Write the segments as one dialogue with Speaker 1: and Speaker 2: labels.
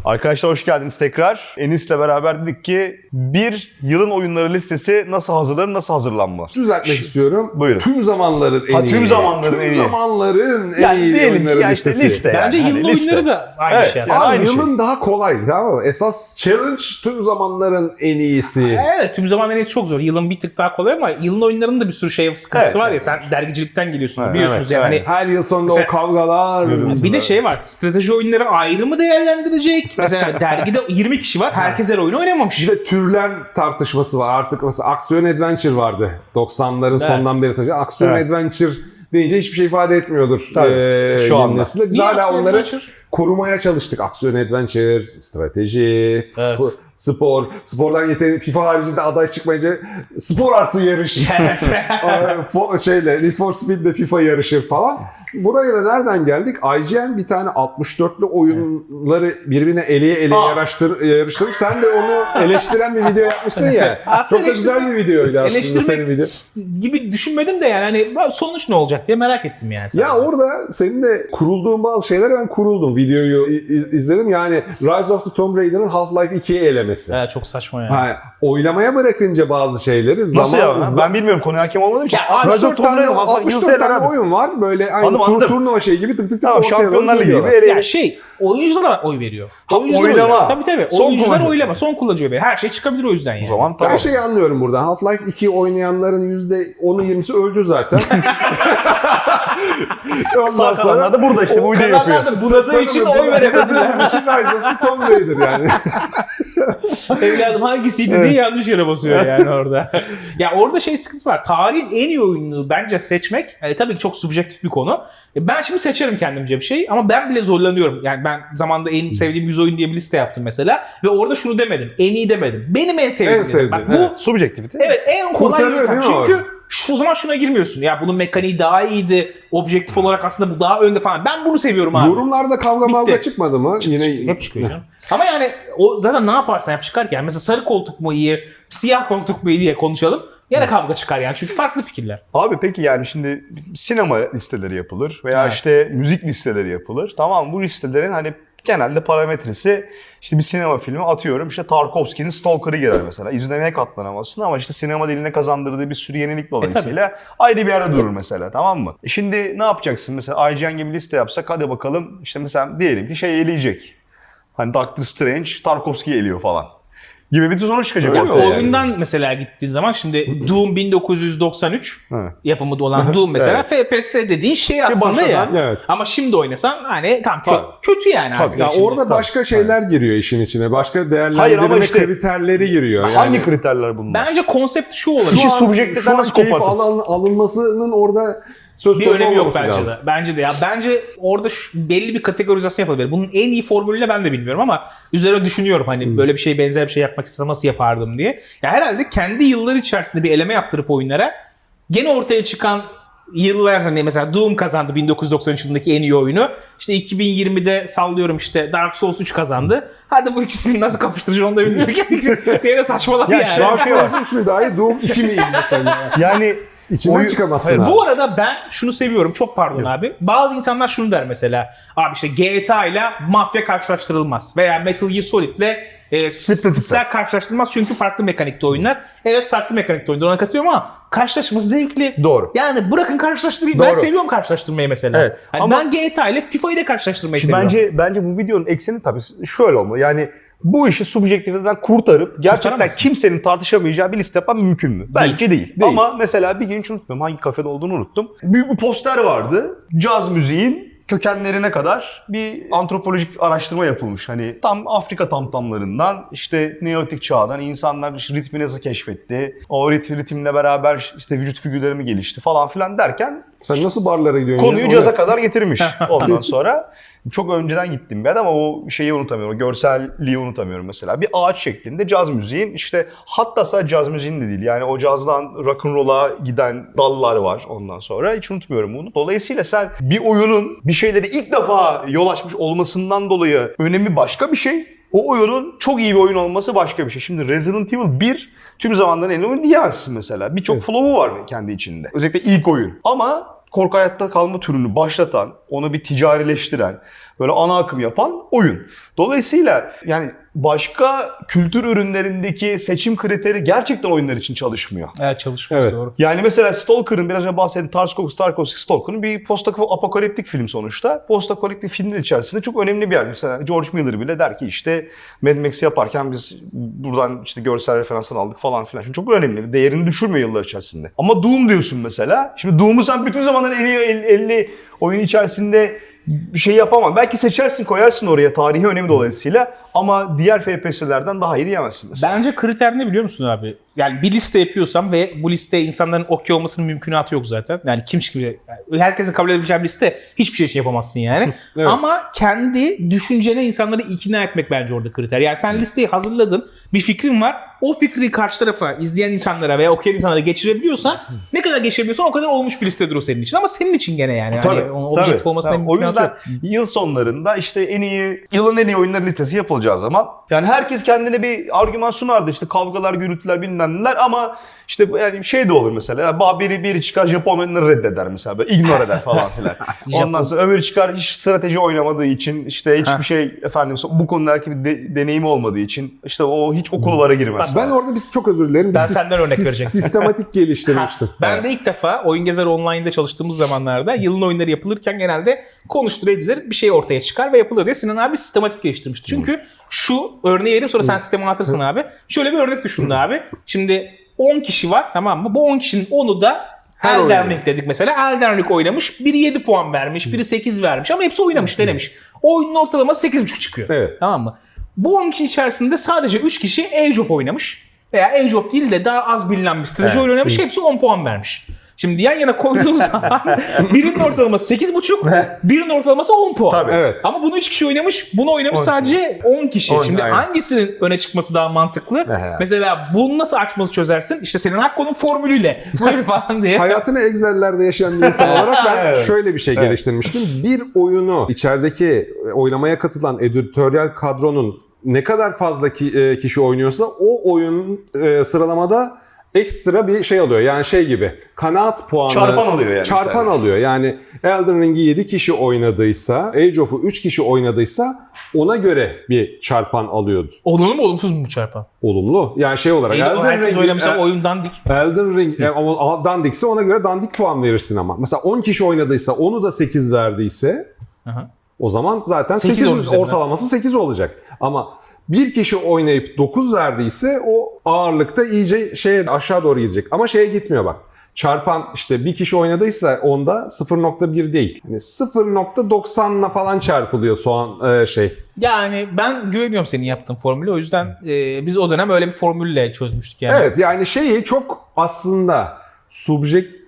Speaker 1: Arkadaşlar hoş geldiniz tekrar. Enis'le beraber dedik ki bir yılın oyunları listesi nasıl hazırlanır, nasıl hazırlanmaz?
Speaker 2: Düzeltmek istiyorum.
Speaker 1: Buyurun.
Speaker 2: Tüm zamanların en iyi.
Speaker 1: Tüm zamanların en iyi.
Speaker 2: zamanların en
Speaker 1: Yani
Speaker 2: iyi
Speaker 1: diyelim ki
Speaker 2: oyunları
Speaker 1: ya işte
Speaker 2: listesi.
Speaker 1: liste.
Speaker 3: Bence
Speaker 1: Yani
Speaker 3: yılın
Speaker 1: hani liste.
Speaker 3: oyunları da aynı
Speaker 1: Evet,
Speaker 3: şey
Speaker 1: yani
Speaker 3: aslında.
Speaker 1: aynı
Speaker 2: yılın daha kolay, tamam mı? Esas challenge tüm zamanların en iyisi.
Speaker 3: Evet, tüm zamanların en iyisi çok zor. Yılın bir tık daha kolay ama yılın oyunlarının da bir sürü şey sıkıntısı
Speaker 1: Evet,
Speaker 3: var ya.
Speaker 1: evet.
Speaker 3: Sen dergicilikten geliyorsunuz
Speaker 1: Evet,
Speaker 3: biliyorsunuz
Speaker 1: evet,
Speaker 3: yani.
Speaker 1: evet.
Speaker 2: Her yıl sonunda
Speaker 3: Mesela-
Speaker 2: o kavgalar.
Speaker 3: Bir de şey var. Strateji oyunları ayrı mı değerlendirecek? Mesela dergide 20 kişi var. Herkes her oyunu oynamamış.
Speaker 2: Bir de türler tartışması var. Artık mesela aksiyon adventure vardı. 90'ların sondan beri taşıyan. Aksiyon
Speaker 1: Evet.
Speaker 2: adventure deyince hiçbir şey ifade etmiyordur.
Speaker 1: Tabii, şu
Speaker 2: yeni
Speaker 1: anda.
Speaker 2: nesile. Biz
Speaker 3: Niye
Speaker 2: hala
Speaker 3: aksiyon
Speaker 2: onları
Speaker 3: adventure?
Speaker 2: korumaya çalıştık. Aksiyon adventure, strateji,
Speaker 3: Evet.
Speaker 2: spor. Spordan yeteneği FIFA haricinde aday çıkmayınca spor artı yarış.
Speaker 3: Evet.
Speaker 2: Need for Speed'de FIFA yarışır falan. Buraya da nereden geldik? IGN bir tane 64'lü oyunları birbirine eleye yarıştırmış. Sen de onu eleştiren bir video yapmışsın ya.
Speaker 3: Aslında
Speaker 2: Çok da güzel bir videoydu aslında
Speaker 3: eleştirmek-
Speaker 2: senin video.
Speaker 3: gibi düşünmedim de yani hani sonuç ne olacak diye merak ettim yani.
Speaker 2: Ya
Speaker 3: sadece.
Speaker 2: orada senin de kurulduğun bazı şeylere ben kuruldum. Videoyu izledim. Yani Rise of the Tomb Raider'ın Half-Life 2'ye elemesi.
Speaker 3: Evet, çok saçma yani.
Speaker 2: Ha, oylamaya bırakınca bazı şeyleri
Speaker 1: Nasıl ya? Ben bilmiyorum, konuya hakim olmadığım için.
Speaker 3: Ya,
Speaker 1: Rise of
Speaker 2: 64
Speaker 1: Tomb
Speaker 2: tane,
Speaker 1: Raider, Half-Life
Speaker 2: 64 tane
Speaker 1: abi.
Speaker 2: oyun var. Böyle aynı
Speaker 1: Anladım.
Speaker 2: turnuva şey gibi tık tık tık
Speaker 1: Tamam,
Speaker 2: ortaya doğru
Speaker 1: Şampiyonlar Ligi
Speaker 2: geliyorlar.
Speaker 1: gibi.
Speaker 3: Ya oyunculara oy veriyor.
Speaker 1: Ha,
Speaker 3: Oyuncular
Speaker 1: oylama.
Speaker 3: Tabii.
Speaker 1: Son
Speaker 3: Oyuncular
Speaker 1: kullanıcı.
Speaker 3: oylama. Son kullanıcı oy. Her şey çıkabilir o yüzden yani.
Speaker 1: O zaman
Speaker 2: Ben
Speaker 1: tamam.
Speaker 2: şeyi anlıyorum buradan. Half-Life 2 oynayanların %10'u 20'si öldü zaten.
Speaker 1: Sağ kalanlar da burada işte bu videoyu yapıyor.
Speaker 3: Kalanlar da bunadığı için oy veremediler.
Speaker 2: Bizim için Rise of the Tomb Raider yani.
Speaker 3: Evladım hangisiydi diye yanlış yere basıyor yani orada. Ya orada şey sıkıntı var. Tarihin en iyi oyununu bence seçmek tabii ki çok subjektif bir konu. Ben şimdi seçerim kendimce bir şey ama ben bile zorlanıyorum. Yani ben zamanında en sevdiğim 100 oyun diye bir liste yaptım mesela ve orada şunu demedim. En iyi demedim. Benim en sevdiğim.
Speaker 2: En
Speaker 3: dedim.
Speaker 2: sevdiğin,
Speaker 3: Bak bu
Speaker 2: evet.
Speaker 1: Subjektivite.
Speaker 3: evet en kolay
Speaker 2: Kurtarıyor
Speaker 3: yöntem.
Speaker 2: değil mi
Speaker 3: Çünkü
Speaker 2: o?
Speaker 3: o zaman şuna girmiyorsun. Ya bunun mekaniği daha iyiydi. Objektif olarak aslında bu daha önde falan. Ben bunu seviyorum abi.
Speaker 2: Yorumlarda kavga mavga
Speaker 3: Bitti.
Speaker 2: çıkmadı mı? Yine
Speaker 3: Hep çıkıyor canım. Ama yani o zaten ne yaparsan yap çıkar ki. Yani mesela sarı koltuk mu iyi, siyah koltuk mu iyi diye konuşalım. Yine kavga çıkar yani. Çünkü farklı fikirler.
Speaker 1: Abi peki yani şimdi sinema listeleri yapılır veya
Speaker 3: Evet.
Speaker 1: işte müzik listeleri yapılır. Tamam, bu listelerin hani genelde parametresi işte bir sinema filmi atıyorum işte Tarkovski'nin Stalker'ı girer mesela. İzlemeye katlanamazsın ama işte sinema diline kazandırdığı bir sürü yenilik dolayısıyla ayrı bir yerde durur mesela, tamam mı? Şimdi ne yapacaksın mesela, IGN gibi liste yapsak hadi bakalım işte mesela diyelim ki şey eleyecek. Hani Doctor Strange Tarkovski'yi eliyor falan gibi bir sonuç çıkacak
Speaker 2: Öyle mi?
Speaker 1: ortaya. yani.
Speaker 3: Oyundan mesela gittiğin zaman şimdi Doom 1993
Speaker 1: Evet.
Speaker 3: yapımı olan Doom mesela FPS dediğin şey aslında ya.
Speaker 1: başladan,
Speaker 2: evet.
Speaker 3: Ama şimdi oynasan hani tam
Speaker 2: Tabii.
Speaker 3: kötü yani artık.
Speaker 2: Ya
Speaker 3: şimdi.
Speaker 2: orada başka şeyler giriyor işin içine. Başka
Speaker 1: Hayır
Speaker 2: değerlendirme
Speaker 1: ama işte-
Speaker 2: kriterleri giriyor. Yani.
Speaker 1: Hangi kriterler bunlar?
Speaker 3: Bence konsept şu olabilir.
Speaker 1: İşi
Speaker 2: Şu an-
Speaker 1: subjektiften
Speaker 2: şu an
Speaker 1: nasıl
Speaker 2: keyif
Speaker 1: kopartırsın?
Speaker 2: alınmasının orada söz
Speaker 3: Bir
Speaker 2: konusu
Speaker 3: önemi yok
Speaker 2: olmaması
Speaker 3: bence
Speaker 2: lazım.
Speaker 3: de. Bence de ya. Bence orada belli bir kategorizasyon yapılabilir. Bunun en iyi formülünü ben de bilmiyorum ama üzerine düşünüyorum hani böyle bir şey, benzer bir şey yapmak istesem nasıl yapardım diye. Ya herhalde kendi yıllar içerisinde bir eleme yaptırıp oyunlara gene ortaya çıkan yıllar, hani mesela Doom kazandı 1993 yılındaki en iyi oyunu. İşte 2020'de sallıyorum işte Dark Souls 3 kazandı. Hadi bu ikisini nasıl kapıştıracağım onu da bilmiyorum. Yine saçmalama
Speaker 1: Ya
Speaker 3: yani.
Speaker 2: Dark Souls 3 mü daha iyi, Doom 2 mi iyi mesela?
Speaker 1: Yani
Speaker 2: İçinden
Speaker 1: Oyun-
Speaker 2: çıkamazsın
Speaker 3: Hayır,
Speaker 2: abi.
Speaker 3: bu arada ben şunu seviyorum. Çok pardon abi. Bazı insanlar şunu der mesela. Abi işte GTA ile Mafya karşılaştırılmaz. Veya Metal Gear Solid ile Splinter karşılaştırılmaz. Çünkü farklı mekanikte oyunlar. Evet, farklı mekanikte oyunlar. Ona katılıyorum ama karşılaşması zevkli.
Speaker 1: Doğru.
Speaker 3: Yani bırakın karşılaştırayım.
Speaker 1: Doğru.
Speaker 3: Ben seviyorum karşılaştırmayı mesela.
Speaker 1: Evet,
Speaker 3: Hani
Speaker 1: ama-
Speaker 3: ben GTA ile FIFA'yı da karşılaştırmayı
Speaker 1: Şimdi
Speaker 3: seviyorum.
Speaker 1: bence bu videonun ekseni tabii şöyle olmalı. Yani bu işi subjektiviteden kurtarıp gerçekten
Speaker 3: Kurtaramazsın.
Speaker 1: kimsenin tartışamayacağı bir liste yapmak mümkün mü? Bence değil.
Speaker 2: Değil.
Speaker 1: Ama mesela bir gün hiç unutmuyorum, hangi kafede olduğunu unuttum. Büyük bir poster vardı. Caz müziğin kökenlerine kadar bir antropolojik araştırma yapılmış. Hani tam Afrika tamtamlarından işte Neolitik çağdan insanlar işte ritmi nasıl keşfetti, o ritimle beraber işte vücut figürleri mi gelişti falan filan derken
Speaker 2: Sen nasıl barlara gidiyorsun?
Speaker 1: konuyu
Speaker 2: ya?
Speaker 1: caza kadar getirmiş ondan sonra. Çok önceden gittim bir yer ama o şeyi unutamıyorum, o görselliği unutamıyorum mesela. Bir ağaç şeklinde caz müziğin işte, hatta sadece caz müziğin de değil yani o cazdan rock'n'roll'a giden dallar var ondan sonra. Hiç unutmuyorum bunu. Dolayısıyla sen bir oyunun bir şeyleri ilk defa yol açmış olmasından dolayı önemi başka bir şey. O oyunun çok iyi bir oyun olması başka bir şey. Şimdi Resident Evil 1 tüm zamanların en iyi oyunu diyemezsin mesela. Birçok flow'u var kendi içinde. Özellikle ilk oyun. Ama korku hayatta kalma türünü başlatan, onu bir ticarileştiren, böyle ana akım yapan oyun. Dolayısıyla yani başka kültür ürünlerindeki seçim kriteri gerçekten oyunlar için çalışmıyor.
Speaker 3: Evet, çalışması
Speaker 2: Evet.
Speaker 3: doğru.
Speaker 1: Yani mesela Stalker'ın biraz önce bahsettiğim Tarkovski Stalker'ın bir post-apokaliptik film sonuçta. Post-apokaliptik filmin içerisinde çok önemli bir yer. Mesela George Miller bile der ki işte Mad Max yaparken biz buradan işte görsel referanslar aldık falan filan. Şimdi çok önemli. Değerini düşürmüyor yıllar içerisinde. Ama Doom diyorsun mesela. Şimdi Doom'u sen bütün zamanların en iyi 50 oyun içerisinde bir şey yapamam. Belki seçersin, koyarsın oraya tarihi önemi dolayısıyla ama diğer FPS'lerden daha iyi diyemezsin mesela.
Speaker 3: Bence kriter ne biliyor musun abi? Yani bir liste yapıyorsam ve bu liste insanların okey olmasının mümkünatı yok zaten. Yani herkesin kabul edebileceği bir liste hiçbir şey için yapamazsın yani.
Speaker 2: Evet.
Speaker 3: Ama kendi düşüncene insanları ikna etmek bence orada kriter. Yani sen listeyi hazırladın, bir fikrin var. O fikri karşı tarafa, izleyen insanlara veya okuyan insanlara geçirebiliyorsan ne kadar geçirebiliyorsan o kadar olmuş bir listedir o senin için. Ama senin için gene yani.
Speaker 1: Tabii,
Speaker 3: Hani objektif olmasına
Speaker 1: tabii. O
Speaker 3: mümkünatı
Speaker 1: yüzden
Speaker 3: yok.
Speaker 1: yıl sonlarında işte yılın en iyi oyunları listesi yapılacağı zaman yani herkes kendine bir argüman sunardı. İşte kavgalar, gürültüler bilmem neler ama işte yani şey de olur mesela. Biri çıkar Japon oyunları reddeder mesela. Böyle ignore eder falan filan. Ondan sonra öbürü çıkar hiç strateji oynamadığı için işte hiçbir şey efendim bu konudaki bir deneyimi olmadığı için işte o hiç o kulvara girmez.
Speaker 2: Ben orada çok özür dilerim.
Speaker 3: Ben senden örnek verecektim.
Speaker 2: Sistematik geliştirmiştim.
Speaker 3: Ben de ilk defa Oyun Gezer Online'da çalıştığımız zamanlarda yılın oyunları yapılırken genelde konuştur edilir, bir şey ortaya çıkar ve yapılır diye Sinan abi sistematik geliştirmişti. Çünkü şu örneği vereyim sonra sen sisteme atırsın abi. Şöyle bir örnek düşünün abi. Şimdi 10 kişi var, tamam mı? Bu 10 kişinin 10'u da
Speaker 2: Her
Speaker 3: Elden
Speaker 2: oyunu.
Speaker 3: Ring dedik mesela. Elden Ring oynamış. Biri 7 puan vermiş, biri 8 vermiş ama hepsi oynamış, denemiş. O oyunun ortalaması 8.5 çıkıyor.
Speaker 2: Evet.
Speaker 3: Tamam mı? Bu 10 kişi içerisinde sadece 3 kişi Age of oynamış. Veya Age of değil de daha az bilinen bir strateji oyunu oynamış. Hepsi 10 puan vermiş. Şimdi yan yana koyduğunuz zaman birinin ortalaması 8.5, birinin ortalaması 10 puan.
Speaker 1: Tabii.
Speaker 2: Evet.
Speaker 3: Ama bunu 3 kişi oynamış, bunu oynamış sadece 10 kişi.
Speaker 1: 10,
Speaker 3: Şimdi
Speaker 1: aynen.
Speaker 3: hangisinin öne çıkması daha mantıklı? Mesela bunu nasıl açması çözersin? İşte senin Hakko'nun formülüyle. Buyur falan diye.
Speaker 2: Hayatını Excel'lerde yaşayan bir insan olarak ben
Speaker 1: Evet.
Speaker 2: şöyle bir şey geliştirmiştim. Bir oyunu içerideki oylamaya katılan editoryal kadronun ne kadar fazla kişi oynuyorsa o oyun sıralamada ekstra bir şey alıyor. Yani şey gibi kanaat puanı.
Speaker 1: Çarpan alıyor yani.
Speaker 2: Çarpan alıyor. Yani Elden Ring'i 7 kişi oynadıysa, Age of'u 3 kişi oynadıysa ona göre bir çarpan alıyordu.
Speaker 3: Olumlu mu olumsuz mu bu çarpan?
Speaker 2: Olumlu. Yani şey olarak
Speaker 3: Herkes oynamışsa oyun dandik.
Speaker 2: Elden Ring ama dandikse ona göre dandik puan verirsin ama. Mesela 10 kişi oynadıysa onu da 8 verdiyse
Speaker 3: Aha.
Speaker 2: o zaman zaten
Speaker 3: 8
Speaker 2: 8
Speaker 3: olacak.
Speaker 2: ortalaması 8 olacak. Ama bir kişi oynayıp 9 verdiyse o ağırlıkta iyice aşağı doğru gidecek. Ama şeye gitmiyor bak. Çarpan işte bir kişi oynadıysa onda 0.1 değil. Yani 0.90'la falan çarpılıyor şey.
Speaker 3: Yani ben güveniyorum senin yaptığın formülü. O yüzden biz o dönem öyle bir formülle çözmüştük yani.
Speaker 2: Evet yani şeyi çok aslında subjektif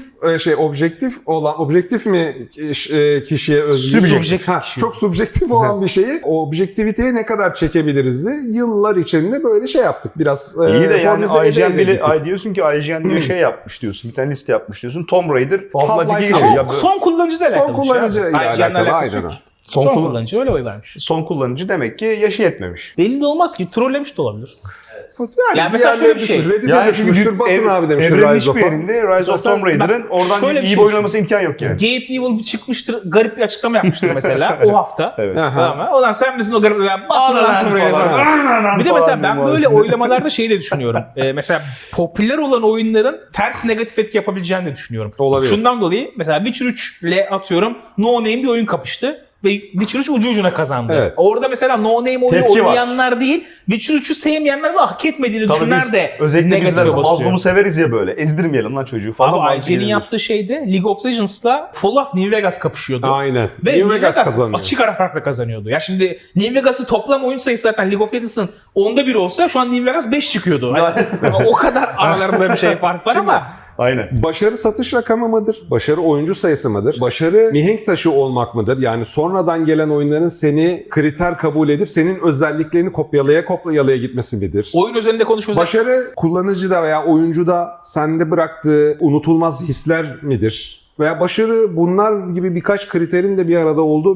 Speaker 2: objektif mi kişiye özgü?
Speaker 3: Subjektif kişi.
Speaker 2: Çok subjektif olan bir şeyi objektiviteye ne kadar çekebiliriz yıllar içinde böyle şey yaptık biraz.
Speaker 1: İyi de yani
Speaker 2: formülize ede
Speaker 1: IGN bile
Speaker 2: gittik.
Speaker 1: diyorsun ki IGN diye şey yapmış diyorsun. Bir tane liste yapmış diyorsun. Tomb Raider, Half-Life 2
Speaker 2: Half-Life
Speaker 1: geliyor.
Speaker 3: Ama
Speaker 1: Ya
Speaker 3: son kullanıcı da alakalı.
Speaker 2: Son kullanıcı ile alakalı, aynen o.
Speaker 3: Son kullanıcı öyle oy vermiş.
Speaker 1: son kullanıcı demek ki yaşı yetmemiş.
Speaker 3: Belli de olmaz ki. Trollemiş de olabilir.
Speaker 2: Yani
Speaker 3: mesela
Speaker 2: bir yerlere
Speaker 3: şöyle bir şey.
Speaker 2: düşmüş, Reddit'e düşmüştür, basın abi demiştir
Speaker 1: Evrenin
Speaker 2: Rise
Speaker 1: hiçbir
Speaker 2: of'a.
Speaker 1: yerinde Rise of Tomb Raider'ın oradan
Speaker 3: şöyle bir
Speaker 1: iyi
Speaker 3: şey
Speaker 1: bir oynaması imkan yok yani.
Speaker 3: Gabe Newell bir çıkmıştır, garip bir açıklama yapmıştır mesela o hafta.
Speaker 1: Evet.
Speaker 2: Aha.
Speaker 3: Tamam mı? Ulan sen misin o garip? Basın lan Tomb Raider'ı. Bir de mesela ben böyle oylamalarda şeyi de düşünüyorum. Mesela popüler olan oyunların ters negatif etki yapabileceğini de düşünüyorum.
Speaker 2: Olabilir.
Speaker 3: Şundan dolayı mesela Witcher 3 ile atıyorum No Name bir oyun kapıştı. Ve Witcher 3 ucu ucuna kazandı.
Speaker 2: Evet.
Speaker 3: Orada mesela No Name oyunu
Speaker 1: Tepki var.
Speaker 3: oynayanlar değil, Witcher 3'ü sevmeyenler ve hak etmediğini
Speaker 1: Tabii
Speaker 3: düşünenler
Speaker 1: biz
Speaker 3: de
Speaker 1: özellikle bizler
Speaker 3: negatife basıyor.
Speaker 1: mazlumu severiz ya böyle. Ezdirmeyelim lan çocuğu falan.
Speaker 3: Ama
Speaker 1: mantığı
Speaker 3: IGN'in
Speaker 1: gelir.
Speaker 3: yaptığı şeyde League of Legends'la Fallout New Vegas kapışıyordu.
Speaker 2: Aynen.
Speaker 3: Ve
Speaker 2: New Vegas kazanıyor.
Speaker 3: açık ara farkla kazanıyordu. Ya şimdi New Vegas'ın toplam oyun sayısı zaten League of Legends'ın 10'da 1 olsa şu an New Vegas 5 çıkıyordu. Yani o kadar aralarında bir şey fark var ama
Speaker 1: Aynen.
Speaker 2: Başarı satış rakamı mıdır? Başarı oyuncu sayısı mıdır? Başarı mihenk taşı olmak mıdır? Yani sonradan gelen oyunların seni kriter kabul edip senin özelliklerini kopyalaya gitmesi midir?
Speaker 3: oyun özelinde konuşuyoruz.
Speaker 2: Başarı kullanıcıda veya oyuncuda sende bıraktığı unutulmaz hisler midir? Veya başarı bunlar gibi birkaç kriterin de bir arada olduğu bir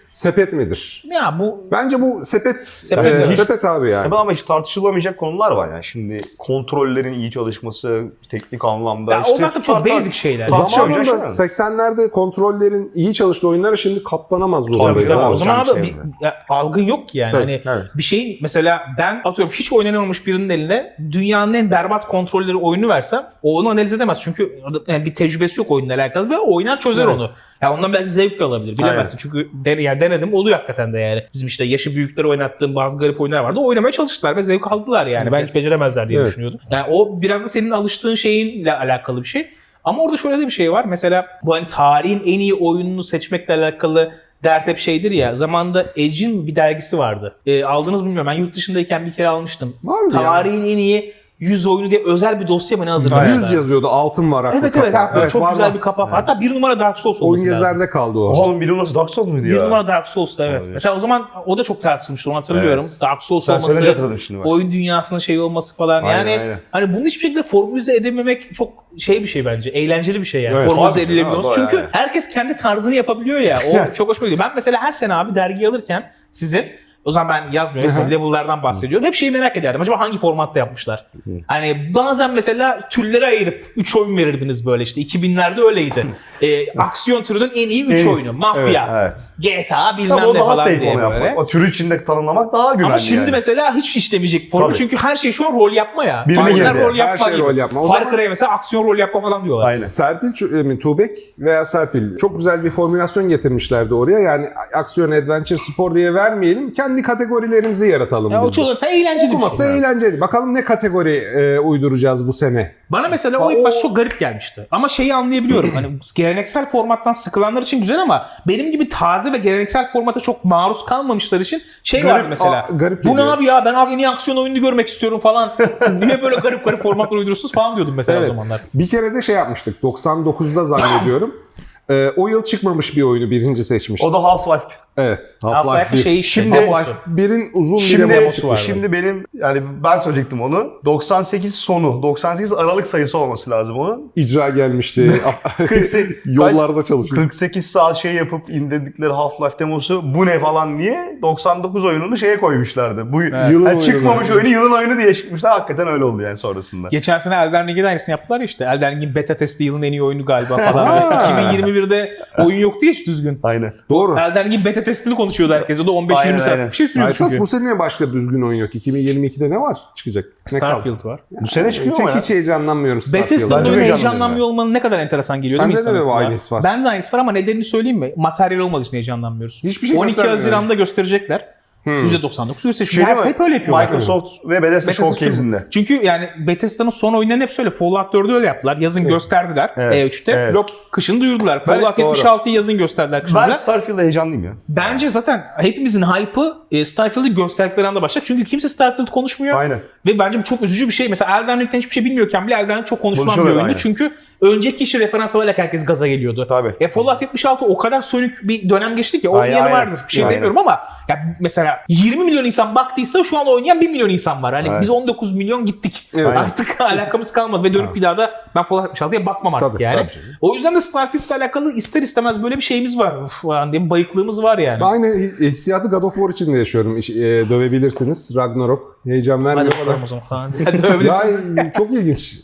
Speaker 2: sepet midir?
Speaker 3: Ya bu
Speaker 2: Bence bu sepet.
Speaker 3: Sepet.
Speaker 2: Sepet abi yani.
Speaker 1: Ama hiç tartışılamayacak konular var yani. Şimdi kontrollerin iyi çalışması, teknik anlamda.
Speaker 3: ya onlar da çok basic şeyler.
Speaker 1: Tartışılacak
Speaker 2: Zamanında
Speaker 1: şey mi?
Speaker 2: 80'lerde kontrollerin iyi çalıştığı oyunlara şimdi katlanamaz
Speaker 1: Tabii,
Speaker 2: durumdayız
Speaker 1: tabii.
Speaker 2: abi.
Speaker 3: O zaman
Speaker 1: Hocam
Speaker 3: abi
Speaker 1: şey
Speaker 3: algın yok ki yani.
Speaker 2: Tabii,
Speaker 3: Hani
Speaker 1: evet.
Speaker 3: bir şeyin mesela ben atıyorum hiç oynanamamış birinin eline dünyanın en berbat kontrolleri oyunu versem o onu analiz edemez. Çünkü yani bir tecrübesi yok oyunla alakalı ve oynar çözer
Speaker 1: Evet.
Speaker 3: onu. Ya ondan belki zevk de alabilir. Bilemezsin. Çünkü yani denedim oluyor hakikaten de yani. Bizim işte yaşı büyükleri oynattığım bazı garip oyunlar vardı. Oynamaya çalıştılar ve zevk aldılar yani. Ben hiç beceremezler diye
Speaker 2: Evet.
Speaker 3: düşünüyordum. Yani o biraz da senin alıştığın şeyinle alakalı bir şey. Ama orada şöyle de bir şey var. Mesela bu hani tarihin en iyi oyununu seçmekle alakalı dert hep şeydir ya. Zamanında Edge'in bir dergisi vardı. Aldınız mı bilmiyorum. Ben yurt dışındayken bir kere almıştım.
Speaker 2: Vardı ya.
Speaker 3: Tarihin en iyi 100 oyunu diye özel bir dosya mı ne hazırlamışlar?
Speaker 2: 100 yazıyordu, altın var
Speaker 3: Evet evet.
Speaker 2: kapağı.
Speaker 3: Çok
Speaker 2: var,
Speaker 3: güzel
Speaker 2: var.
Speaker 3: bir kapağı. Hatta bir numara Dark Souls
Speaker 2: Oyun
Speaker 3: olması lazım.
Speaker 2: gezerde kaldı o.
Speaker 1: Oğlum biri nasıl Dark Souls muydu ya?
Speaker 3: Bir numara Dark Souls'ta evet.
Speaker 1: Olabilir.
Speaker 3: Mesela o zaman o da çok tartışılmıştı onu hatırlıyorum.
Speaker 1: Evet.
Speaker 3: Dark Souls
Speaker 1: Sen söyleyince
Speaker 3: olması,
Speaker 1: hatırladım şimdi bak.
Speaker 3: oyun dünyasının şey olması falan.
Speaker 1: Aynen,
Speaker 3: yani
Speaker 1: aynen.
Speaker 3: hani bunu hiçbir şekilde formülize edememek çok şey bir şey bence. Eğlenceli bir şey yani.
Speaker 2: Evet.
Speaker 3: Formülize
Speaker 1: Tabii,
Speaker 3: edilebilmesi.
Speaker 1: doğru,
Speaker 3: Çünkü
Speaker 1: yani.
Speaker 3: herkes kendi tarzını yapabiliyor ya. O çok hoşuma gidiyor. Ben mesela her sene abi dergi alırken sizin o zaman ben yazmıyorum. Level'lardan bahsediyorum. Hep şeyi merak ederdim. Acaba hangi formatta yapmışlar? Hani bazen mesela türlere ayırıp 3 oyun verirdiniz böyle işte. 2000'lerde öyleydi. Aksiyon türünün en iyi 3
Speaker 1: En iyisi.
Speaker 3: oyunu. Mafya,
Speaker 1: Evet.
Speaker 3: GTA bilmem
Speaker 1: Tabii o
Speaker 3: ne
Speaker 1: daha
Speaker 3: falan
Speaker 1: safe
Speaker 3: diye
Speaker 1: onu
Speaker 3: böyle.
Speaker 1: yapmak. O türü içinde tanımlamak daha güvenli
Speaker 3: Ama şimdi
Speaker 1: yani.
Speaker 3: mesela hiç işlemeyecek formül
Speaker 1: Tabii.
Speaker 3: çünkü her şey şu an rol yapma ya.
Speaker 1: Birine
Speaker 3: Oyunlar
Speaker 1: girdi.
Speaker 3: rol
Speaker 2: Her
Speaker 3: yapma
Speaker 2: şey
Speaker 3: gibi.
Speaker 2: rol yapma. O
Speaker 3: Far
Speaker 2: zaman-
Speaker 3: Cry'e mesela aksiyon rol yapma falan diyorlar.
Speaker 1: Aynen.
Speaker 2: Serpil Tuğbek veya Serpil çok güzel bir formülasyon getirmişlerdi oraya. Yani aksiyon, adventure, spor diye vermeyelim. Kendi kategorilerimizi yaratalım
Speaker 3: Ya o
Speaker 2: biz de.
Speaker 3: çok eğlenceli bir
Speaker 2: Okuması
Speaker 3: şey.
Speaker 2: eğlenceli. Bakalım ne kategori uyduracağız bu sene.
Speaker 3: Bana mesela o ilk başta çok garip gelmişti. Ama şeyi anlayabiliyorum. Hani geleneksel formattan sıkılanlar için güzel ama benim gibi taze ve geleneksel formata çok maruz kalmamışlar için şey
Speaker 2: Garip,
Speaker 3: vardı mesela.
Speaker 2: garip
Speaker 3: Bu ne
Speaker 2: geliyor.
Speaker 3: abi ya ben abi en iyi aksiyon oyununu görmek istiyorum falan. Niye böyle garip garip formatlar uyduruyorsunuz falan diyordum mesela
Speaker 2: Evet.
Speaker 3: o zamanlar.
Speaker 2: Bir kere de şey yapmıştık. 99'da zannediyorum. O yıl çıkmamış bir oyunu birinci seçmiştik.
Speaker 1: O da Half-Life.
Speaker 2: Evet.
Speaker 3: Half-Life'ın
Speaker 2: 1.
Speaker 3: şeyi
Speaker 1: Şimdi-
Speaker 2: Half-Life 1'in uzun bir demosu
Speaker 3: demosu vardı.
Speaker 1: Şimdi benim yani ben söyleyecektim onu. 98 sonu, 98 Aralık sayısı olması lazım onun.
Speaker 2: icra gelmişti.
Speaker 1: 48,
Speaker 2: Yollarda çalışıyor.
Speaker 1: 48 saat şey yapıp indirdikleri Half-Life demosu bu ne falan diye 99 oyununu şeye koymuşlardı. Bu
Speaker 2: Yılın oyunu.
Speaker 1: çıkmamış oyunu yılın oyunu diye çıkmışlar. Hakikaten öyle oldu yani sonrasında.
Speaker 3: Geçen sene Elden Ring'in aynısını yaptılar ya işte. Elden Ring'in beta testi yılın en iyi oyunu galiba falan. 2021'de oyun yoktu ya hiç düzgün.
Speaker 1: Aynen.
Speaker 2: Doğru.
Speaker 3: Elden Ring'in beta testini konuşuyordu herkes. O da 15-20
Speaker 1: Aynen,
Speaker 3: saatlik
Speaker 1: aynen.
Speaker 3: bir şey sürüyordu
Speaker 2: Esas
Speaker 3: çünkü.
Speaker 2: bu sene başka düzgün oyun yok. 2022'de ne var çıkacak? Ne kaldı?
Speaker 3: Starfield var.
Speaker 1: Bu sene çıkıyor mu ya?
Speaker 2: Hiç heyecanlanmıyorum Starfield'a.
Speaker 3: Bethesda'nın
Speaker 1: Bence
Speaker 3: oyuna
Speaker 1: heyecanlanıyorum
Speaker 3: heyecanlanmıyor olmanın ne kadar enteresan geliyor değil mi
Speaker 2: Sende de mi
Speaker 3: insana?
Speaker 2: bu aynısı var?
Speaker 3: Ben de aynısı var ama nedenini söyleyeyim mi? Materyal olmadığı için heyecanlanmıyoruz.
Speaker 2: Hiçbir şey
Speaker 3: 12
Speaker 2: göstermiyor.
Speaker 3: Haziran'da gösterecekler. %99 %8.
Speaker 1: Şey
Speaker 3: Her
Speaker 1: değil mi?
Speaker 3: hep öyle yapıyorlar.
Speaker 1: Microsoft ve Bethesda
Speaker 3: Bethesda
Speaker 1: Showcase'inde.
Speaker 3: Çünkü yani Bethesda'nın son oyunlarının hep öyle. Fallout 4'ü öyle yaptılar. Yazın gösterdiler
Speaker 1: Evet,
Speaker 3: E3'te.
Speaker 1: evet.
Speaker 3: Yok kışın duyurdular.
Speaker 1: Ben-
Speaker 3: Fallout
Speaker 2: doğru.
Speaker 3: 76'yı yazın gösterdiler kışın.
Speaker 1: Ben Starfield'a heyecanlıyım ya.
Speaker 3: Bence zaten hepimizin hype'ı Starfield'i gösterdikleri anda başlayacak. Çünkü kimse Starfield konuşmuyor.
Speaker 1: Aynen.
Speaker 3: Ve bence bu çok üzücü bir şey. Mesela Elden Ring'den hiçbir şey bilmiyorken bile Elden Ring çok konuşulan bir
Speaker 1: Konuşuyorlar,
Speaker 3: oyundu.
Speaker 1: aynen.
Speaker 3: Çünkü önceki işi referans alarak herkes gaza geliyordu.
Speaker 1: Tabii.
Speaker 3: Fallout 76 o kadar sönük bir dönem geçti ki
Speaker 1: Aynen,
Speaker 3: oynayanı
Speaker 1: aynen.
Speaker 3: vardır. Bir şey
Speaker 1: Aynen.
Speaker 3: demiyorum ama ya mesela 20 milyon insan baktıysa şu an oynayan 1 milyon insan var. Hani
Speaker 1: Evet.
Speaker 3: biz 19 milyon gittik.
Speaker 2: Evet.
Speaker 3: Artık alakamız kalmadı ve dönüp bir daha da ben Fallout 76'ya bakmam artık
Speaker 2: Tabii,
Speaker 3: yani.
Speaker 2: tabii canım.
Speaker 3: O yüzden de Starfield'le alakalı ister istemez böyle bir şeyimiz var. Uf, falan diye bir bayıklığımız var yani.
Speaker 2: Aynı hissiyatı God of War için de yaşıyorum. Dövebilirsiniz. Ragnarok. Heyecan
Speaker 3: Hadi
Speaker 2: vermiyor
Speaker 3: bakalım
Speaker 2: ama.
Speaker 3: o zaman falan diye. Dövebilirsin.
Speaker 2: Ya çok ilginç.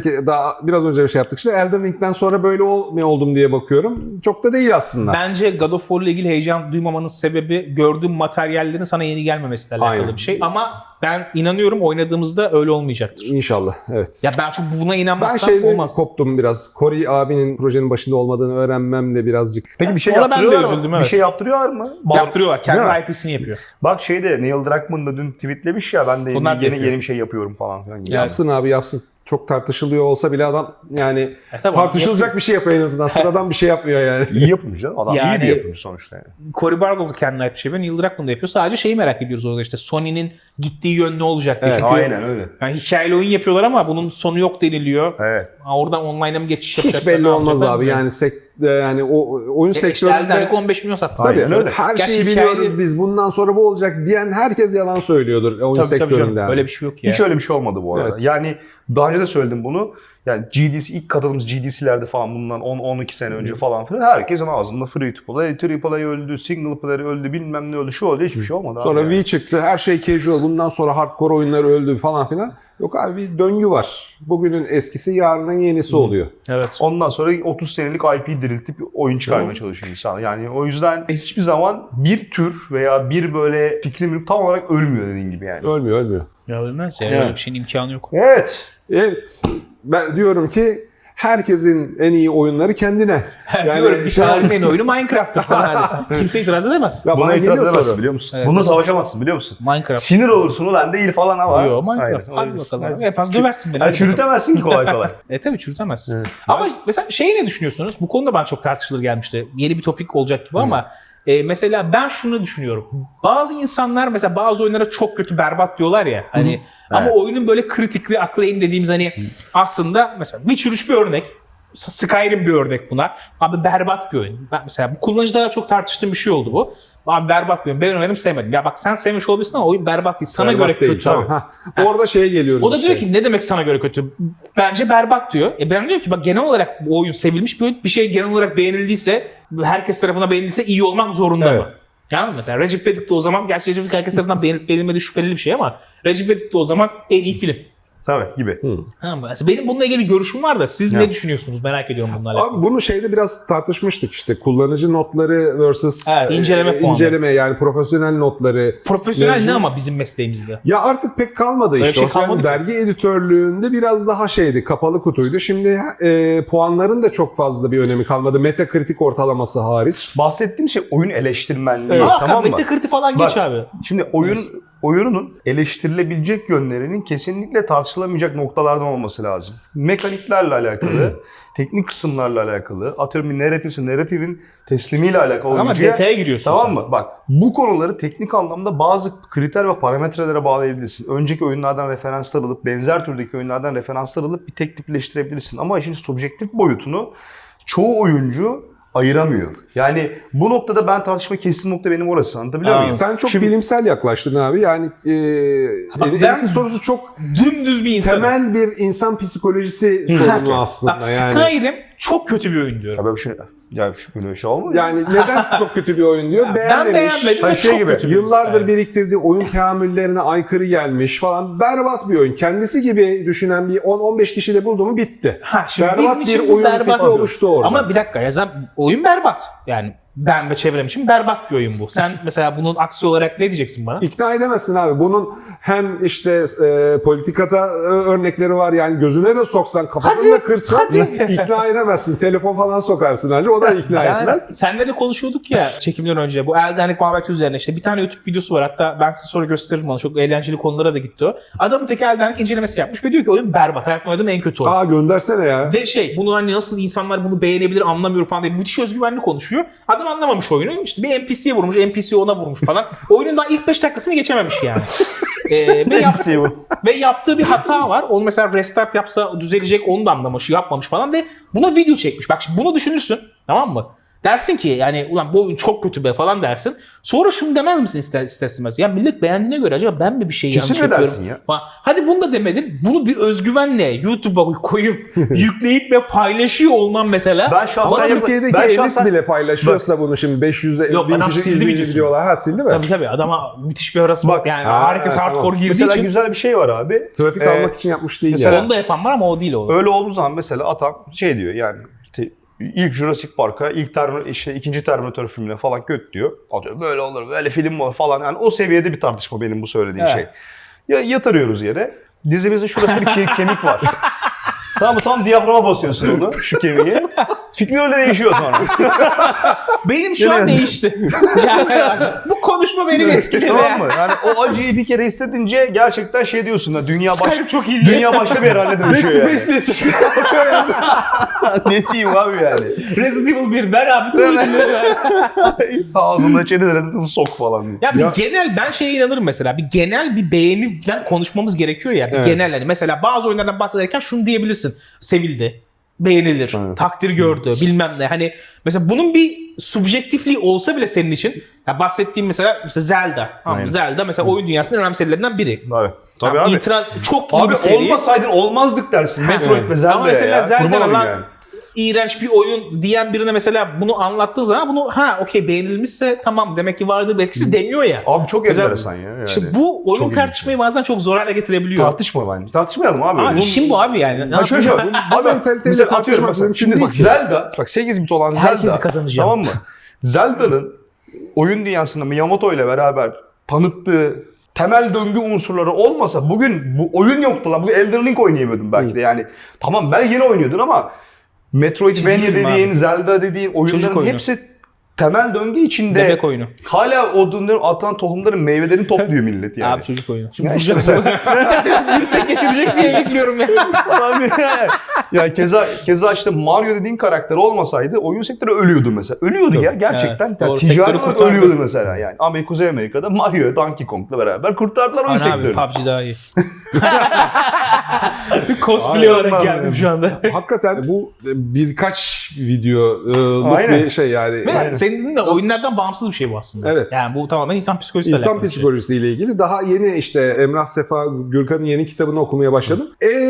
Speaker 2: Biraz önce bir şey yaptık işte. Elden Ring'den sonra böyle oldum diye bakıyorum. Çok da değil aslında.
Speaker 3: Bence God of War ile ilgili heyecan duymamanın sebebi gördüğüm materyallerin sana yeni gelmemesiyle alakalı
Speaker 2: Aynen.
Speaker 3: bir şey. Ama ben inanıyorum oynadığımızda öyle olmayacaktır.
Speaker 2: İnşallah. Evet.
Speaker 3: Ya ben çok buna
Speaker 2: Ben
Speaker 3: inanmazsam
Speaker 2: şeyde
Speaker 3: olmaz.
Speaker 2: koptum biraz. Corey abinin projenin başında olmadığını öğrenmemle birazcık.
Speaker 1: Peki bir şey
Speaker 3: Ona ben de
Speaker 1: yaptırıyorlar mı?
Speaker 3: üzüldüm,
Speaker 1: Bir
Speaker 3: evet.
Speaker 1: şey yaptırıyorlar mı?
Speaker 3: Yaptırıyorlar.
Speaker 1: Değil
Speaker 3: Kendi
Speaker 1: mi?
Speaker 3: IP'sini yapıyor.
Speaker 1: Bak şeyde Neil Druckmann da dün tweetlemiş ya ben de
Speaker 3: Onlar da
Speaker 1: yeni
Speaker 3: yapıyor.
Speaker 1: bir şey yapıyorum falan filan.
Speaker 3: Yani-
Speaker 2: Yapsın abi yapsın. Çok tartışılıyor olsa bile adam yani
Speaker 3: Tabii
Speaker 2: tartışılacak bir şey yapıyor en azından. Sıradan bir şey yapmıyor yani.
Speaker 1: İyi yapımcı canım. Adam iyi
Speaker 3: Yani-
Speaker 1: bir yapımcı sonuçta yani.
Speaker 3: Cory Barlog da kendine ait bir şey yapıyor. Neil Druckmann da yapıyor. Sadece şeyi merak ediyoruz orada işte Sony'nin gittiği yön ne olacak diye.
Speaker 2: Evet,
Speaker 3: Çünkü
Speaker 1: Aynen öyle.
Speaker 3: yani hikayeli oyun yapıyorlar ama bunun sonu yok deniliyor.
Speaker 1: Evet.
Speaker 3: Oradan online'a mı geçiş yapacaklar?
Speaker 2: Hiç belli
Speaker 3: ne
Speaker 2: olmaz
Speaker 3: yapacaklar
Speaker 2: abi.
Speaker 3: bilmiyorum.
Speaker 2: Yani o oyun
Speaker 3: İşte Elden
Speaker 2: sektöründe
Speaker 3: Ring 15 milyon sattı.
Speaker 2: tabii
Speaker 1: Aynen öyle.
Speaker 2: her
Speaker 3: Gerçi
Speaker 2: şeyi
Speaker 3: hikayeli-
Speaker 2: biliyoruz biz. Bundan sonra bu olacak diyen herkes yalan söylüyordur oyun
Speaker 3: Tabii
Speaker 2: sektöründe.
Speaker 3: canım.
Speaker 2: yani.
Speaker 3: Öyle bir şey yok ya.
Speaker 1: Hiç öyle bir şey olmadı bu arada.
Speaker 2: Evet.
Speaker 1: Yani daha önce de söyledim bunu. Yani GDC ilk katıldığımız GDC'lerde falan bundan 10-12 sene önce falan filan herkesin ağzında free to play, triple A öldü, single player öldü, bilmem ne öldü, şu oldu, hiçbir şey olmadı.
Speaker 2: Sonra
Speaker 1: abi
Speaker 2: V
Speaker 1: yani.
Speaker 2: çıktı. Her şey casual. Bundan sonra hardcore oyunlar öldü falan filan. Yok abi, bir döngü var. Bugünün eskisi yarının yenisi oluyor.
Speaker 3: Evet.
Speaker 1: Ondan sonra 30 senelik IP diriltip oyun çıkarmaya çalışıyor insan. Yani o yüzden hiçbir zaman bir tür veya bir böyle fikrim tam olarak ölmüyor dediğin gibi yani.
Speaker 2: Ölmüyor.
Speaker 3: Ya ölmez ya.
Speaker 1: Evet.
Speaker 3: Öyle bir şeyin imkanı yok.
Speaker 1: Evet.
Speaker 2: Evet. Ben diyorum ki herkesin en iyi oyunları kendine.
Speaker 3: Diyorum bir
Speaker 2: şey-
Speaker 3: tarihin en oyunu Minecraft'tır falan. Kimse itiraz edemez.
Speaker 2: Ya
Speaker 1: Buna
Speaker 2: bana
Speaker 1: itiraz
Speaker 2: geliyor
Speaker 1: edemezsin
Speaker 2: soru.
Speaker 1: biliyor musun?
Speaker 3: Evet.
Speaker 1: Bununla savaşamazsın biliyor musun?
Speaker 3: Minecraft.
Speaker 1: Sinir olursun ulan değil falan ama.
Speaker 3: Yo Minecraft.
Speaker 1: Aynen.
Speaker 3: Hadi bakalım.
Speaker 1: Evet.
Speaker 3: En fazla döversin beni.
Speaker 1: Yani
Speaker 3: Hadi bakalım.
Speaker 1: çürütemezsin ki kolay kolay.
Speaker 3: Tabii çürütemezsin.
Speaker 2: Evet.
Speaker 3: Ama mesela şeyi ne düşünüyorsunuz? Bu konuda ben çok tartışılır gelmişti. Yeni bir topik olacak gibi ama mesela ben şunu düşünüyorum. Bazı insanlar mesela bazı oyunlara çok kötü berbat diyorlar ya. Hani ama oyunun böyle critically acclaimed dediğimiz hani aslında mesela Witcher 3 bir örnek. Skyrim bir örnek buna. Abi berbat bir oyun. Ben mesela bu kullanıcılarla çok tartıştığım bir şey oldu bu. Abi berbat bir oyun. Ben oynadım sevmedim. Ya bak sen sevmiş olabilirsin ama oyun berbat değil. Sana
Speaker 2: Berbat
Speaker 3: göre
Speaker 2: değil,
Speaker 3: kötü.
Speaker 2: tamam. Ha. Orada şeye geliyoruz.
Speaker 3: O da
Speaker 2: işte.
Speaker 3: diyor ki ne demek sana göre kötü? Bence berbat diyor. Ben diyorum ki bak genel olarak bu oyun sevilmiş bir oyun. Bir şey genel olarak beğenildiyse, herkes tarafından beğenildiyse iyi olmak zorunda mı?
Speaker 2: Evet.
Speaker 3: Yani mesela Recep İvedik de o zaman, gerçi Recep İvedik herkes tarafından beğenilip beğenilmediği şüpheli bir şey ama Recep İvedik de o zaman en iyi film.
Speaker 1: Tabii gibi.
Speaker 3: Tamam mı? Mesela benim bununla ilgili bir görüşüm var da siz
Speaker 1: Ya.
Speaker 3: ne düşünüyorsunuz? Merak ediyorum bununla alakalı.
Speaker 2: Abi bunu şeyde biraz tartışmıştık işte. Kullanıcı notları versus
Speaker 3: Evet, inceleme puanı.
Speaker 2: inceleme, yani profesyonel notları.
Speaker 3: Profesyonel
Speaker 2: mevzu-
Speaker 3: ne ama bizim mesleğimizde?
Speaker 2: Ya artık pek kalmadı
Speaker 3: Öyle
Speaker 2: işte.
Speaker 3: bir
Speaker 2: O
Speaker 3: şey
Speaker 2: sen
Speaker 3: kalmadı ki.
Speaker 2: dergi editörlüğünde biraz daha şeydi, kapalı kutuydu. Şimdi puanların da çok fazla bir önemi kalmadı. Metacritic ortalaması hariç.
Speaker 1: Bahsettiğim şey oyun eleştirmenliği,
Speaker 3: Evet.
Speaker 1: tamam mı?
Speaker 3: Metacritic falan
Speaker 1: Bak,
Speaker 3: geç abi.
Speaker 1: Şimdi oyunun eleştirilebilecek yönlerinin kesinlikle tartışılamayacak noktalardan olması lazım. Mekaniklerle alakalı, teknik kısımlarla alakalı, atıyorum bir narratifin teslimiyle alakalı
Speaker 3: Ama
Speaker 1: oyuncuya.
Speaker 3: detaya giriyorsun
Speaker 1: Tamam
Speaker 3: sen.
Speaker 1: mı? Bak bu konuları teknik anlamda bazı kriter ve parametrelere bağlayabilirsin. Önceki oyunlardan referanslar alıp, benzer türdeki oyunlardan referanslar alıp bir tek tipleştirebilirsin. Ama işin subjektif boyutunu çoğu oyuncu ayıramıyor. Yani bu noktada ben tartışma kestiğim nokta benim orası. Anlatabiliyor muyum?
Speaker 2: Sen çok
Speaker 1: Şimdi-
Speaker 2: bilimsel yaklaştın abi. Yani
Speaker 3: ben-
Speaker 2: Enis'in sorusu çok
Speaker 3: Dümdüz bir insan.
Speaker 2: temel bir insan psikolojisi sorunu aslında.
Speaker 3: Bak,
Speaker 2: Yani.
Speaker 3: Skyrim çok kötü bir oyun diyorum.
Speaker 1: Ya böyle bir şey, böyle bir şey olmuyor mu?
Speaker 2: Yani neden çok kötü bir oyun diyor?
Speaker 3: Ben
Speaker 2: Beğenmemiş.
Speaker 3: beğenmedim
Speaker 1: Hani
Speaker 3: ve
Speaker 1: şey
Speaker 3: çok
Speaker 1: gibi,
Speaker 3: kötü bir
Speaker 2: Yıllardır
Speaker 3: oyun.
Speaker 2: biriktirdiği oyun teamüllerine aykırı gelmiş falan. Berbat bir oyun. Kendisi gibi düşünen bir 10-15 kişi de buldu mu bitti.
Speaker 3: Ha, şimdi
Speaker 2: Berbat
Speaker 3: bizim için
Speaker 2: bir
Speaker 3: bu
Speaker 2: oyun
Speaker 3: berbat
Speaker 2: fikri
Speaker 3: bir oyun.
Speaker 2: oluştu orada.
Speaker 3: Ama bir dakika ya zaten oyun berbat. Yani ben ve çevrem için berbat bir oyun bu. Sen mesela bunun aksi olarak ne diyeceksin bana?
Speaker 2: İkna edemezsin abi. Bunun hem işte politikada örnekleri var. Yani gözüne de soksan, kafasını da kırsan ikna edemezsin. Telefon falan sokarsın önce. O da ikna etmez.
Speaker 3: Senle de konuşuyorduk ya çekimden önce bu Elden Ring muhabbeti üzerine işte bir tane YouTube videosu var. Hatta ben size sonra gösteririm onu. Çok eğlenceli konulara da gitti o. Adamın tek Elden Ring incelemesi yapmış ve diyor ki oyun berbat. Hayatımda oynadığım en kötü oyun.
Speaker 2: Aa, göndersene ya.
Speaker 3: Ve bunu hani nasıl insanlar bunu beğenebilir anlamıyorum falan diye müthiş özgüvenli konuşuyor. Adam anlamamış oyunu. İşte bir NPC'ye vurmuş, NPC ona vurmuş falan. Oyunun daha ilk 5 dakikasını geçememiş yani. Ve yaptığı bir hata var. Onu mesela restart yapsa düzelecek, onu da anlamış, yapmamış falan ve buna video çekmiş. Bak şimdi bunu düşünürsün, tamam mı? Dersin ki yani ulan bu oyun çok kötü be falan dersin. Sonra şunu demez misin ister istemez? Ya millet beğendiğine göre acaba ben mi bir şey yanlış
Speaker 1: Kesin
Speaker 3: yapıyorum?
Speaker 1: edersin ya.
Speaker 3: Falan. Hadi bunu da demedin. Bunu bir özgüvenle YouTube'a koyup yükleyip ve paylaşıyor olman mesela.
Speaker 1: Ben şahsen
Speaker 2: Ama Türkiye'deki Enis bile paylaşıyorsa bunu şimdi 500
Speaker 3: Yok,
Speaker 2: bin
Speaker 3: adam
Speaker 2: kişi
Speaker 3: sildi
Speaker 2: izleyici
Speaker 3: videosunu.
Speaker 2: diyorlar. Ha, sildi mi?
Speaker 3: Tabii adama müthiş bir arası
Speaker 1: Bak,
Speaker 3: bak. Yani
Speaker 2: ha,
Speaker 3: herkes
Speaker 2: tamam.
Speaker 3: hardcore girdiği
Speaker 1: Mesela
Speaker 3: için
Speaker 1: güzel bir şey var abi.
Speaker 2: Trafik almak için yapmış değil
Speaker 1: mesela-
Speaker 2: yani.
Speaker 3: onu da yapan var ama o değil o.
Speaker 1: Öyle olduğu zaman mesela adam şey diyor yani işte ilk Jurassic Park'a, ikinci Terminator filmine falan kötü diyor. Atıyor böyle olur, böyle film mi olur falan. Yani o seviyede bir tartışma benim bu söylediğim
Speaker 3: Evet.
Speaker 1: şey. Ya yatırıyoruz yere. Dizimizin şurası bir kemik var. Tamam mı? Tam diyaframa basıyorsun onu, şu kemiği. Fikrin öyle değişiyor sonra.
Speaker 3: Benim şu an
Speaker 1: Yani-
Speaker 3: değişti. Yani bu konuşma beni etkiledi.
Speaker 1: Tamam mı? Yani o acıyı bir kere hissedince gerçekten şey diyorsun da
Speaker 3: Skyrim çok iyi diye.
Speaker 1: dünya başka bir herhalde dönüşüyor yani.
Speaker 2: diye çıkıyor.
Speaker 1: Ne diyeyim abi yani.
Speaker 3: Resident Evil 1 ver abi. tüm ödülleri.
Speaker 1: Ağzında içeri de Resident Evil sok falan diye.
Speaker 3: Ya bir
Speaker 2: Ya-
Speaker 3: genel ben şeye inanırım mesela. Bir genel bir beğeniden konuşmamız gerekiyor ya. Bir
Speaker 2: Evet.
Speaker 3: genel hani mesela bazı oyunlardan bahsederken şunu diyebilirsin. Sevildi. beğenilir,
Speaker 1: Evet.
Speaker 3: takdir gördü, bilmem ne. Hani mesela bunun bir subjektifliği olsa bile senin için, ya bahsettiğim mesela Zelda. Tamam mı?
Speaker 1: Aynen.
Speaker 3: Zelda mesela oyun dünyasının en önemli serilerinden biri.
Speaker 1: Tabii. Tabii
Speaker 3: Tamam,
Speaker 1: abi.
Speaker 3: İtiraz çok iyi
Speaker 1: Abi
Speaker 3: bir seri.
Speaker 1: olmasaydın olmazdık dersin. Metroid
Speaker 3: Evet.
Speaker 1: ve Zelda'ya
Speaker 3: Ama mesela
Speaker 1: ya.
Speaker 3: Zelda
Speaker 1: Kurban olayım
Speaker 3: lan
Speaker 1: yani.
Speaker 3: iğrenç bir oyun diyen birine mesela bunu anlattığı zaman bunu okey beğenilmişse tamam demek ki vardır etkisi demiyor ya.
Speaker 1: Abi çok
Speaker 3: Mesela-
Speaker 1: enteresan ya. Yani.
Speaker 3: İşte bu oyun
Speaker 1: Çok
Speaker 3: tartışmayı bazen çok zor hale getirebiliyor.
Speaker 1: Tartışma bence. Tartışmayalım abi.
Speaker 3: Ama
Speaker 1: Bunun-
Speaker 3: işin bu abi yani. Ne
Speaker 1: Ha şöyle
Speaker 3: yapayım?
Speaker 1: şey var.
Speaker 2: Bu mentaliteyle
Speaker 1: mesela
Speaker 2: tartışmak
Speaker 1: atıyorum mesela,
Speaker 2: mümkün
Speaker 1: şimdi
Speaker 2: değil
Speaker 1: bak
Speaker 2: ki.
Speaker 1: Zelda, bak 8 bit olan Zelda.
Speaker 3: Herkesi kazanacağım.
Speaker 1: Tamam mı? Zelda'nın oyun dünyasında Miyamoto ile beraber tanıttığı temel döngü unsurları olmasa bugün bu oyun yoktu lan. Bugün Elden Ring oynayamıyordum belki de yani. Tamam belki yine oynuyordun ama Metroidvania
Speaker 3: Çizgi film
Speaker 1: dediğin,
Speaker 3: abi.
Speaker 1: Zelda dediğin
Speaker 3: Çocuk
Speaker 1: oyunların
Speaker 3: oyunu.
Speaker 1: hepsi temel döngü içinde
Speaker 3: Bebek oyunu.
Speaker 1: hala o dönemlerin atılan tohumların meyvelerini topluyor millet yani.
Speaker 3: Abi çocuk oyunu. Şimdi
Speaker 1: Ya işte
Speaker 3: vuracağım. Dirsek geçirecek diye bekliyorum ya.
Speaker 1: Abi, ya keza işte Mario dediğin karakter olmasaydı oyun sektörü ölüyordu mesela. Ölüyordu ya gerçekten.
Speaker 3: Evet,
Speaker 1: Yani
Speaker 3: doğru.
Speaker 1: ticari
Speaker 3: Sektörü
Speaker 1: olarak
Speaker 3: kurtardı.
Speaker 1: ölüyordu mesela yani. Kuzey Amerika'da Mario, Donkey Kong'la beraber kurtardılar oyun
Speaker 3: Ana abi
Speaker 1: sektörünü.
Speaker 3: PUBG daha iyi. Bir cosplay olarak
Speaker 1: Aynen.
Speaker 3: geldim şu anda.
Speaker 2: Hakikaten bu birkaç videoluk
Speaker 1: Aynen.
Speaker 2: bir şey yani.
Speaker 3: Ve senin dediğin de oyunlardan bağımsız bir şey bu aslında.
Speaker 2: Evet.
Speaker 3: Yani bu tamamen insan psikolojisiyle
Speaker 2: İnsan
Speaker 3: alakalı bir şey.
Speaker 2: psikolojisiyle ilgili. Daha yeni işte Emrah Sefa Gürkan'ın yeni kitabını okumaya başladım.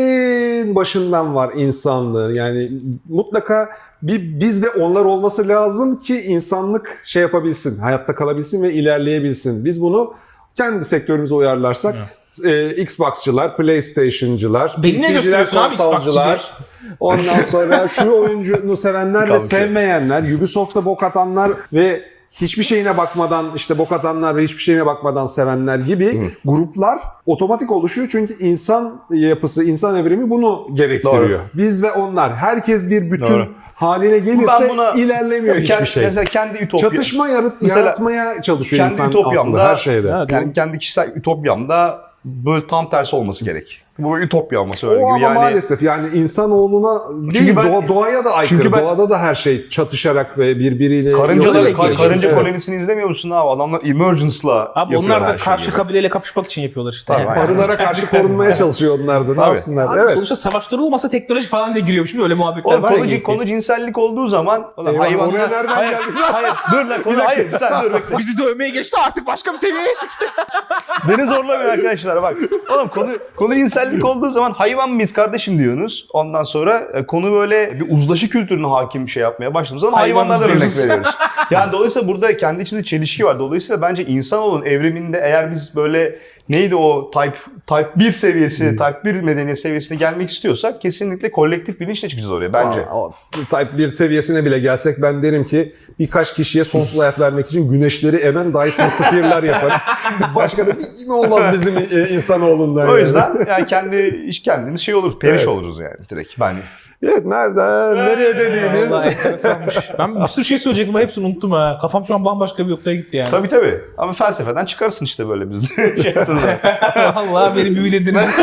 Speaker 2: En başından var insanlığın. Yani mutlaka bir biz ve onlar olması lazım ki insanlık şey yapabilsin, hayatta kalabilsin ve ilerleyebilsin. Biz bunu kendi sektörümüze uyarlarsak Xbox'çılar, PlayStation'cılar,
Speaker 3: Beni ne
Speaker 2: PC'ciler,
Speaker 3: gösteriyorsun abi
Speaker 2: konsolcular, ondan sonra şu oyuncunu sevenler ve
Speaker 1: Kalkıyor.
Speaker 2: sevmeyenler, Ubisoft'a bok atanlar ve hiçbir şeyine bakmadan işte bok atanlar ve hiçbir şeyine bakmadan sevenler gibi gruplar otomatik oluşuyor. Çünkü insan yapısı, insan evrimi bunu gerektiriyor.
Speaker 1: Doğru.
Speaker 2: Biz ve onlar. Herkes bir bütün
Speaker 1: Doğru.
Speaker 2: haline gelirse
Speaker 1: Ben buna-
Speaker 2: ilerlemiyor hiçbir
Speaker 1: Kendi,
Speaker 2: şey.
Speaker 1: Mesela kendi ütopya.
Speaker 2: Çatışma
Speaker 1: Mesela
Speaker 2: yaratmaya çalışıyor
Speaker 1: kendi
Speaker 2: insan
Speaker 1: ütopyamda-
Speaker 2: aklı her şeyde.
Speaker 3: Evet.
Speaker 1: Yani kendi kişisel ütopyamda böyle tam tersi olması gerek. Bu ütopya olması öyle
Speaker 2: O ama
Speaker 1: gibi. Yani
Speaker 2: maalesef yani insanoğluna değil
Speaker 1: Çünkü ben-
Speaker 2: doğaya da aykırı.
Speaker 1: çünkü ben-
Speaker 2: Doğada da her şey çatışarak ve birbiriyle
Speaker 1: karıncaları,
Speaker 2: yok edecek.
Speaker 1: karınca
Speaker 2: Evet.
Speaker 1: kolonisini izlemiyor musun abi? Adamlar Emergence'la
Speaker 3: Abi
Speaker 1: yapıyor
Speaker 3: onlar
Speaker 1: her
Speaker 3: da
Speaker 1: şeyi
Speaker 3: karşı
Speaker 1: gibi.
Speaker 3: kabileyle kapışmak için yapıyorlar işte.
Speaker 1: Tabii, aynen.
Speaker 2: Arılara karşı korunmaya çalışıyor onlar da. Ne
Speaker 1: Tabii.
Speaker 2: yapsınlar?
Speaker 3: Abi
Speaker 2: Evet.
Speaker 3: sonuçta savaşları olmasa teknoloji falan diye giriyormuş değil mi? Öyle muhabbetler
Speaker 1: Oğlum
Speaker 3: var ya.
Speaker 1: konu cinsellik olduğu zaman
Speaker 2: Eyvah, oraya nereden
Speaker 1: hayır,
Speaker 2: geldin?
Speaker 1: hayır, dur lan konu hayır sen dur bekle.
Speaker 3: Bizi dövmeye geçti artık başka bir seviyeye çıktı.
Speaker 1: Beni zorlamayın arkadaşlar bak. Oğlum konu cinsellik olduğu zaman hayvan mıyız kardeşim diyorsunuz. Ondan sonra konu böyle bir uzlaşı kültürüne hakim bir şey yapmaya başladığımız zaman
Speaker 3: Hayvanız
Speaker 1: hayvanlardan örnek
Speaker 3: diyoruz.
Speaker 1: veriyoruz. Yani dolayısıyla burada kendi içimizde çelişki var. Dolayısıyla bence insanoğlunun evriminde eğer biz böyle neydi o type 1 seviyesi, type 1 medeniyet seviyesine gelmek istiyorsak kesinlikle kolektif bilinçle çıkacağız oraya bence.
Speaker 2: O Type 1 seviyesine bile gelsek ben derim ki birkaç kişiye sonsuz hayat vermek için güneşleri emen Dyson Sphere'lar yaparız. Başka da bir olmaz bizim insanoğlundan.
Speaker 1: O
Speaker 2: yani.
Speaker 1: yüzden yani kendimiz şey oluruz, periş
Speaker 2: Evet.
Speaker 1: oluruz yani direkt bence.
Speaker 2: Evet nereden nereye dediğimiz.
Speaker 3: Vallahi enteresanmış. Ben bir sürü şey söyleyecektim ama hepsini unuttum ha. Kafam şu an bambaşka bir noktaya gitti yani.
Speaker 1: Tabii. Ama felsefeden çıkarsın işte böyle biz de. Şey yaptığınız zaman.
Speaker 3: Vallahi beni büyülediniz.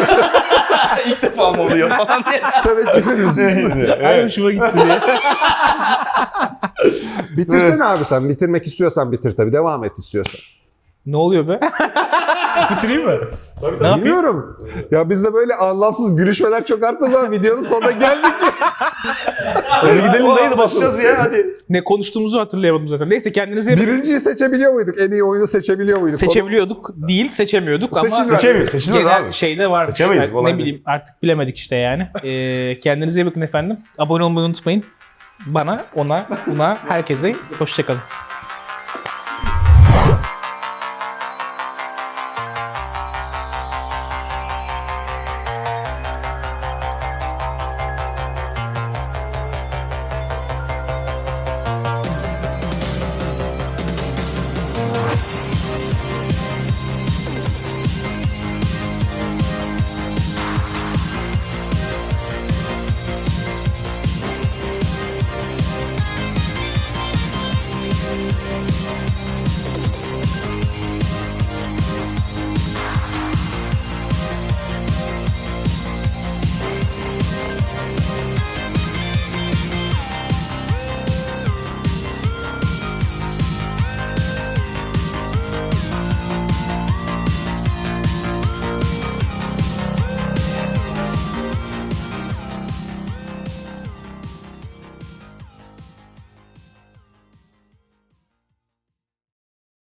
Speaker 1: İlk defa mı oluyor falan diye.
Speaker 2: Teveccühünüz.
Speaker 3: Ay hoşuma gitti diye.
Speaker 2: Bitirsene abi sen. Bitirmek istiyorsan bitir tabii. Devam et istiyorsan.
Speaker 3: Ne oluyor be? Bitireyim mi? Ne yapayım?
Speaker 2: Bilmiyorum. Ya bizde böyle anlamsız gülüşmeler çok arttığı zaman videonun sonuna geldik.
Speaker 1: Hadi gidelim dayı da basacağız ya hadi.
Speaker 3: Ne konuştuğumuzu hatırlayamadım zaten. Neyse kendinize yapın.
Speaker 2: Birinciyi seçebiliyor muyduk? En iyi oyunu seçebiliyor muyduk?
Speaker 3: Seçebiliyorduk değil seçemiyorduk ama
Speaker 1: Seçemiyoruz
Speaker 3: genel
Speaker 1: abi.
Speaker 3: şeyde var.
Speaker 1: Seçemeyiz,
Speaker 3: Ne
Speaker 1: olay
Speaker 3: bileyim artık bilemedik işte yani. Kendinize iyi bakın efendim. Abone olmayı unutmayın. Bana, ona, herkese hoşçakalın.